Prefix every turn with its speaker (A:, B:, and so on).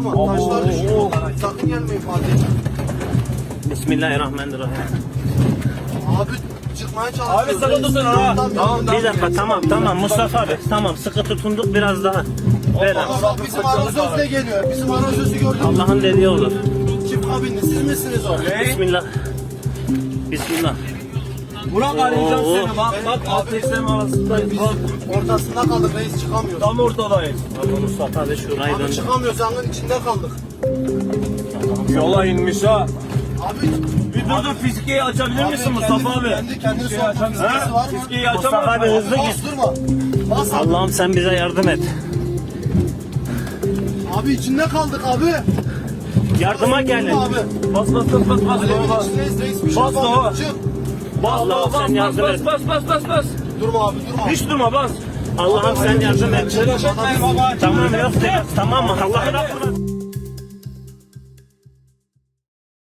A: durma. Taşlar düşüyor yollara. Sakın gelmeyin Fatih.
B: Bismillahirrahmanirrahim.
A: Abi çıkmaya çalışıyoruz.
C: Abi, sıkı tutun ha.
A: Tamam.
B: Bir dakika, tamam Mustafa abi. Tamam, sıkı tutunduk biraz daha. Ver abi.
A: Bak bizim arazöz de geliyor. Bizim arazözü gördün mü?
B: Allah'ın dediği olur.
A: Kim kabindi? Siz misiniz o?
B: Bismillah. Bismillah.
C: Burak arayacağım
B: Oo.
C: seni. Bak ateşleme arasındayız. Bak
A: Ortasında kaldık reis, çıkamıyoruz.
C: tam ortadayız.
B: Allah Mustafa abi şurayı
A: Abi
B: döndür.
A: çıkamıyoruz, yangın içinde kaldık.
C: Yola inmiş ha.
A: Abi
C: Bir dur fiskeyi açabilir misin Mustafa abi?
A: Kendini
C: Fiskeyi
A: sokma,
C: açabilir
A: fiskesi var mı?
C: Fiskeyi
B: Mustafa
C: açamaz
B: abi
C: mı?
B: hızlı
A: Bas
B: git.
A: durma. Bas abi.
B: Allah'ım sen bize yardım et.
A: Abi içinde kaldık abi.
B: Yardıma gelin.
A: Abi.
C: Bas.
A: Alevin içindeyiz reis, bir şey
C: Bas
A: yapamıyoruz.
C: baba.
A: Çık.
B: Allah'ım sen yardım et.
C: Bas.
A: Durma abi, durma.
C: Hiç durma bas.
B: Allah'ım sen yardım et.
C: Telaş etmeyin baba.
B: Tamam yok de. Tamam mı? Allah'ın aklına.